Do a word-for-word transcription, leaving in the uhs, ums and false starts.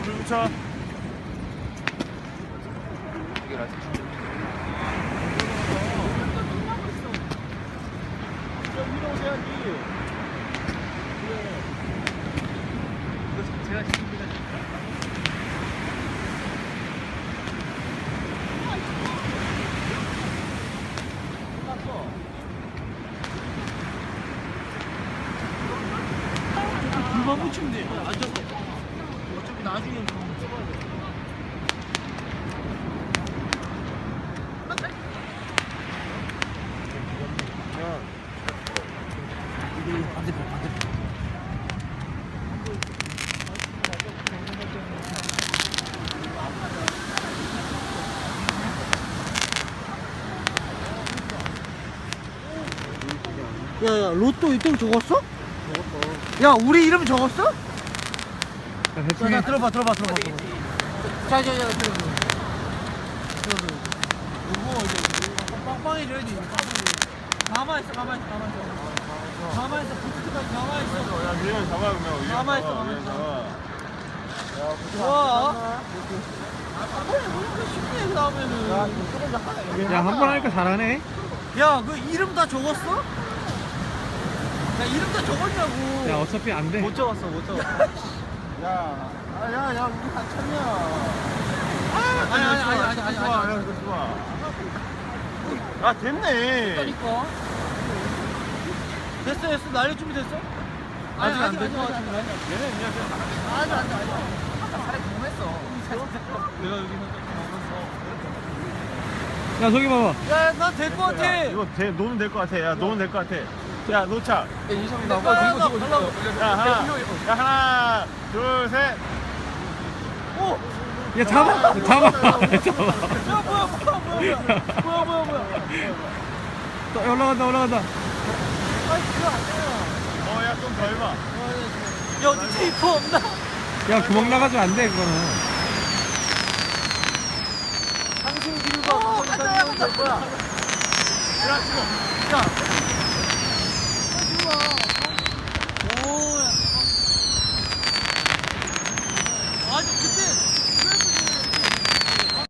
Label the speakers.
Speaker 1: 불 붙여.
Speaker 2: 이게 라지.
Speaker 1: 위로 오셔야지.
Speaker 2: 이거 제가 지킵니다.
Speaker 1: 불만 붙이면 돼. 앉아서. 어차피 나중에 좀 찍어야 돼. 이게 반대편, 반대편. 야야, 로또 이름 적었어? 적었어. 야, 우리 이름 적었어? 야, 자, 자, 들어봐, 들어봐, 들어봐. 들어봐. 자, 자, 자, 들어봐. 들어봐. 이거 이제 빵빵해져야지. 가만히 있어, 가만히 있어, 가만히 있어. 가만히 있어, 부츠까지 가만히 있어.
Speaker 3: 야, 위에 잡아, 그러면. 위에
Speaker 1: 가만히
Speaker 3: 잡아,
Speaker 1: 있어,
Speaker 3: 위에
Speaker 1: 가만히
Speaker 3: 잡아.
Speaker 1: 좋아. 왜 쉽게 해, 나오면은.
Speaker 4: 야, 한 번 하니까 잘하네.
Speaker 1: 야, 그 이름 다 적었어? 야, 이름 다 적었냐고.
Speaker 4: 야, 어차피 안 돼.
Speaker 1: 못 적었어, 못 적었어.
Speaker 3: 야, 아, 야, 야, 우리 한참이야.
Speaker 1: 아니, 아니, 아니, 아니, 아니,
Speaker 3: 좋아,
Speaker 1: 아니.
Speaker 3: 야, 이거 좋아. 아, 됐네.
Speaker 1: 그러니까. 됐어, 됐어. 날릴 준비 됐어? 아직 안 된 것 같은데.
Speaker 3: 얘네 그냥
Speaker 1: 아직 안 돼, 아직 안 돼.
Speaker 2: 차라리 경험했어.
Speaker 1: 내가 여기서
Speaker 4: 야, 저기 봐봐.
Speaker 1: 야, 난 될 것 같아.
Speaker 3: 야, 이거 돼, 놓으면 될 것 같아. 야, 놓으면 될 것 같아. 야, 놓자.
Speaker 2: 인성이
Speaker 1: 나
Speaker 2: 나와.
Speaker 1: 빨리
Speaker 2: 들고
Speaker 1: 가,
Speaker 2: 들고
Speaker 1: 빨리
Speaker 2: 들고.
Speaker 3: 야, 하나, 야, 하나, 둘, 셋.
Speaker 1: 오!
Speaker 4: 야, 잡아! 잡아! 잡아!
Speaker 1: 야, 뭐야, 뭐야, 뭐야, 뭐야, 뭐야, 뭐야.
Speaker 4: 또 올라간다, 올라간다.
Speaker 1: 아이, 그거 안 돼요.
Speaker 3: 어, 야, 좀 더 해봐.
Speaker 1: 야, 어디 테이프 없나?
Speaker 4: 야, 구멍 나가지면 안 돼, 그거는.
Speaker 1: 상승 길과 그거 될 거야.
Speaker 3: 야, 지금.
Speaker 1: 야,